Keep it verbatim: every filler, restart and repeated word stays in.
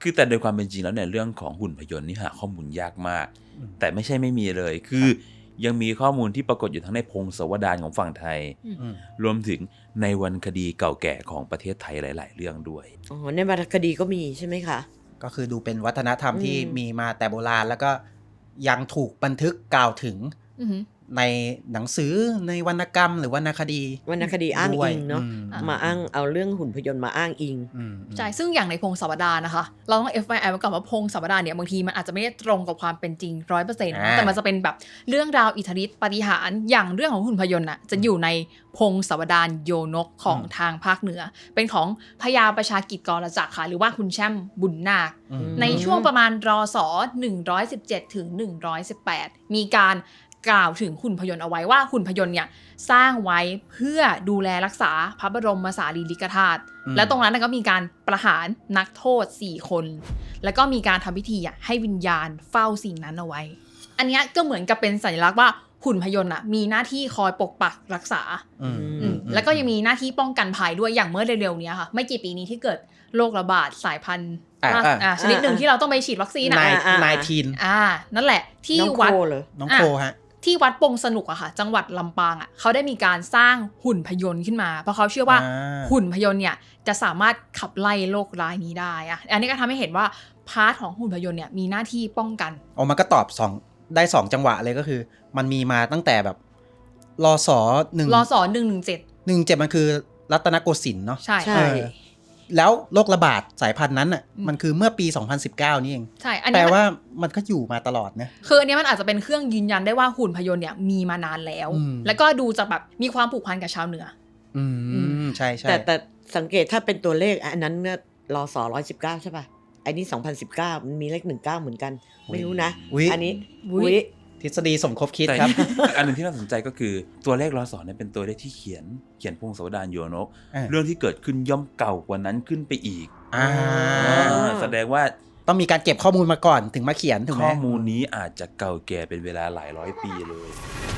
คือแต่โดยความเป็นจริงแล้วเนี่ยเรื่องของหุ่นพยนต์นี่หาข้อมูลยากมากแต่ไม่ใช่ไม่มีเลยคือยังมีข้อมูลที่ปรากฏอยู่ทั้งในพงศาวดารของฝั่งไทยรวมถึงในวรรณคดีเก่าแก่ของประเทศไทยหลายๆเรื่องด้วยอ๋อในวรรณคดีก็มีใช่ไหมคะก็คือดูเป็นวัฒนธรรมที่มีมาแต่โบราณแล้วก็ยังถูกบันทึกกล่าวถึงในหนังสือในวรรณกรรมหรือวรรณคดีวรรณคดีอ้างอิงเนาะมาอ้างเอาเรื่องหุ่นพยนต์มาอ้างอิงใช่ซึ่งอย่างในพงศาวดารนะคะเราต้อง เอฟ วาย ไอ ไว้ก่อนว่าพงศาวดารเนี่ยบางทีมันอาจจะไม่ได้ตรงกับความเป็นจริง ร้อยเปอร์เซ็นต์ แต่มันจะเป็นแบบเรื่องราวอิทธิฤทธิปาฏิหาริย์อย่างเรื่องของหุ่นพยนต์น่ะจะอยู่ในพงศาวดารโยนกของทางภาคเหนือเป็นของพญาประชากิจกรจักรค่ะหรือว่าคุณแช่มบุญนาคในช่วงประมาณรศหนึ่งร้อยสิบเจ็ดถึงหนึ่งร้อยสิบแปดมีการกล่าวถึงหุ่นพยนต์เอาไว้ว่าหุ่นพยนต์เนี่ยสร้างไว้เพื่อดูแลรักษาพระบรมสารีริกธาตุและตรงนั้นก็มีการประหารนักโทษสี่คนแล้วก็มีการทำพิธีให้วิญญาณเฝ้าสิ่งนั้นเอาไว้อันนี้ก็เหมือนกับเป็นสัญลักษณ์ว่าหุ่นพยนต์มีหน้าที่คอยปกปักรักษาแล้วก็ยังมีหน้าที่ป้องกันภัยด้วยอย่างเมื่อเร็วๆนี้ค่ะไม่กี่ปีนี้ที่เกิดโรคระบาดสายพันธุ์ชนิดหนึ่งที่เราต้องไปฉีดวัคซีนนายทีนอ่านั่นแหละที่วัดน้องโคฮะที่วัดปงสนุกอะค่ะจังหวัดลำปางอะเขาได้มีการสร้างหุ่นพยนต์ขึ้นมาเพราะเขาเชื่อว่าหุ่นพยนต์เนี่ยจะสามารถขับไล่โรคร้ายนี้ได้อะอันนี้ก็ทำให้เห็นว่าพาร์ทของหุ่นพยนต์เนี่ยมีหน้าที่ป้องกันอ๋อมันก็ตอบสองได้สองจังหวะเลยก็คือมันมีมาตั้งแต่แบบรศหนึ่งรศหนึ่งหนึ่งเจ็ดหนึ่งเจ็ดมันคือรัตนโกสินทร์เนาะใช่ใช่แล้วโรคระบาดสายพันธุ์นั้นอ่ะมันคือเมื่อปีสองพันสิบเก้านี่เองใช่อันนี้แปลว่ามันก็อยู่มาตลอดนะคืออันนี้มันอาจจะเป็นเครื่องยืนยันได้ว่าหุ่นพยนต์เนี่ยมีมานานแล้วแล้วก็ดูจะแบบมีความผูกพันกับชาวเหนืออืมใช่ใช่แต่แต่สังเกตถ้าเป็นตัวเลขอันนั้นเนี่ยรศร้อยสิบเก้าใช่ป่ะไอ้นี่สองพันสิบเก้ามันมีเลขหนึ่งเก้าเหมือนกันไม่รู้นะอันนี้อุ๊ยทฤษฎีสมคบคิดครับอันนึงที่น่าสนใจก็คือตัวเลขรศเนี่ยเป็นตัวเลขที่เขียนเขียนพงศาวดารโยนกเรื่องที่เกิดขึ้นย่อมเก่ากว่านั้นขึ้นไปอีกแสดงว่าต้องมีการเก็บข้อมูลมาก่อนถึงมาเขียนถูกไหมข้อมูลนี้อาจจะเก่าแก่เป็นเวลาหลายร้อยปีเลย